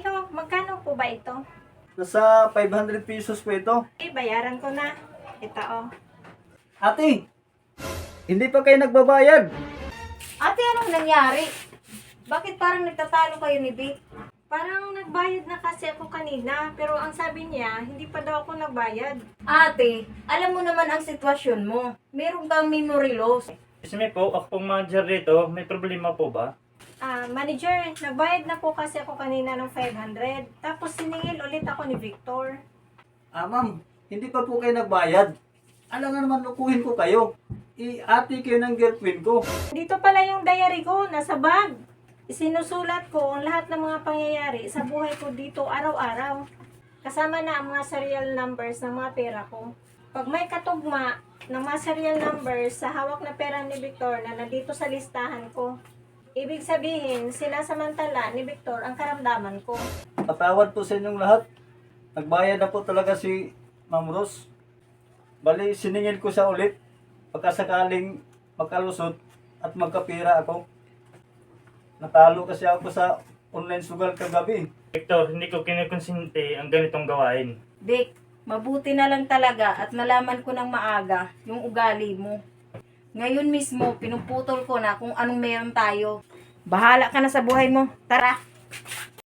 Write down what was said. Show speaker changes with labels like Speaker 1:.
Speaker 1: Hello, magkano po ba ito?
Speaker 2: Nasa 500 pesos po ito.
Speaker 1: Bayaran ko na. Ito oh.
Speaker 2: Ate, hindi pa kayo nagbabayad.
Speaker 3: Ate, anong nangyari? Bakit parang nagtatalo kayo ni Vic?
Speaker 1: Parang nagbayad na kasi ako kanina, pero ang sabi niya, hindi pa daw ako nagbayad.
Speaker 3: Ate, alam mo naman ang sitwasyon mo. Meron kang memory loss.
Speaker 4: Excuse me po, ako pong manager dito. May problema po ba?
Speaker 1: Manager, nagbayad na po kasi ako kanina ng 500. Tapos siningil ulit ako ni Victor.
Speaker 2: Ma'am, hindi pa po kayo nagbayad. Alam nga naman, lukuhin ko kayo. Ate kayo ng girlfriend ko.
Speaker 1: Dito pala yung diary ko, nasa bag. Isinusulat ko ang lahat ng mga pangyayari sa buhay ko dito araw-araw. Kasama na ang mga serial numbers ng mga pera ko. Pag may katugma ng mga serial numbers sa hawak na pera ni Victor na nandito sa listahan ko, ibig sabihin, sinasamantala ni Victor ang karamdaman ko.
Speaker 2: Patawad po sa inyong lahat. Nagbayad na po talaga si Ma'am Rose. Bali, siningil ko siya ulit. Pagkasakaling magkalusot at magkapira ako. Natalo kasi ako sa online sugal kagabi.
Speaker 4: Victor, hindi ko kinukonsente ang ganitong gawain.
Speaker 3: Vic, mabuti na lang talaga at nalaman ko ng maaga yung ugali mo. Ngayon mismo, pinuputol ko na kung anong meron tayo. Bahala ka na sa buhay mo. Tara!